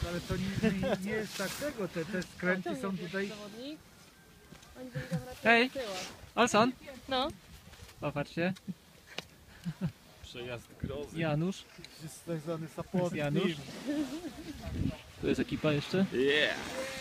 ale to nie jest tak tego, te skręty są tutaj... Hej, Olson. No. Popatrzcie, Przejazd grozy. Janusz. Jest tak zwany support Janusz. Tu jest ekipa jeszcze. Yeah!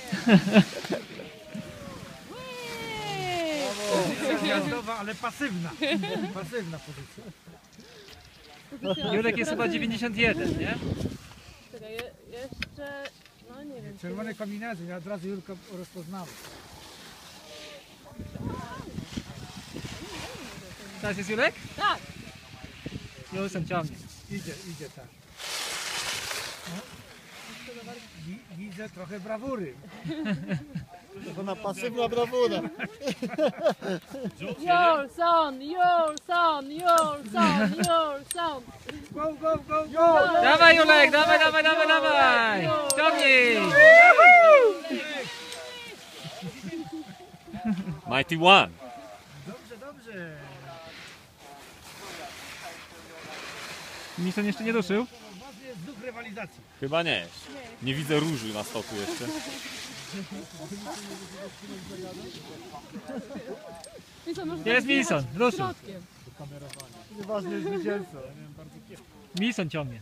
Pozycja jazdowa, ale pasywna. Pasywna pozycja. Jurek jest chyba 91, nie? Czekaj, jeszcze... No nie wiem. Czerwone kombinacje, ja od razu Jurka rozpoznałem. Teraz jest Jurek? Tak. Julson ciągnie. Idzie tak. No. Widzę trochę brawury. Ona pasywna brawura. Julson! Go, go, go, go! Dawaj Julek, dawaj! Ciągnij! Mighty One! Dobrze, dobrze. Mison jeszcze nie ruszył. Ważny jest duch rywalizacji. Chyba nie. Nie widzę różu na stoku jeszcze. Jest Mison, ruszył. Środkiem. Ważny jest zwycięzca. Mison ciągnie.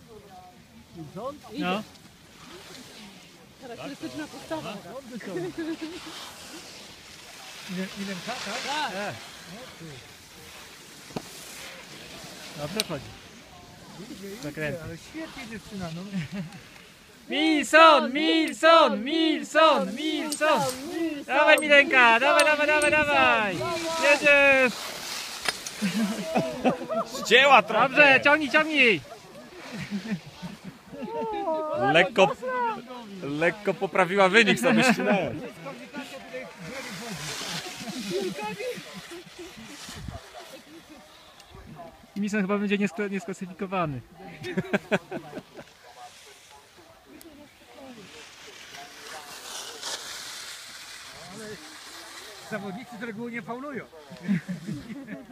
No. Charakterystyczna postawa. Milenka, tak? Tak. Dobrze chodzi. Zakręty. Ale świetnie dziewczyna, no. Milson! Dawaj Milenka, dawaj! Jedziesz! Ścięła trochę! Dobrze, ciągnij! Lekko poprawiła wynik, sobie ścinałem. Mison chyba będzie niesklasyfikowany. Zawodnicy z reguły nie faulują.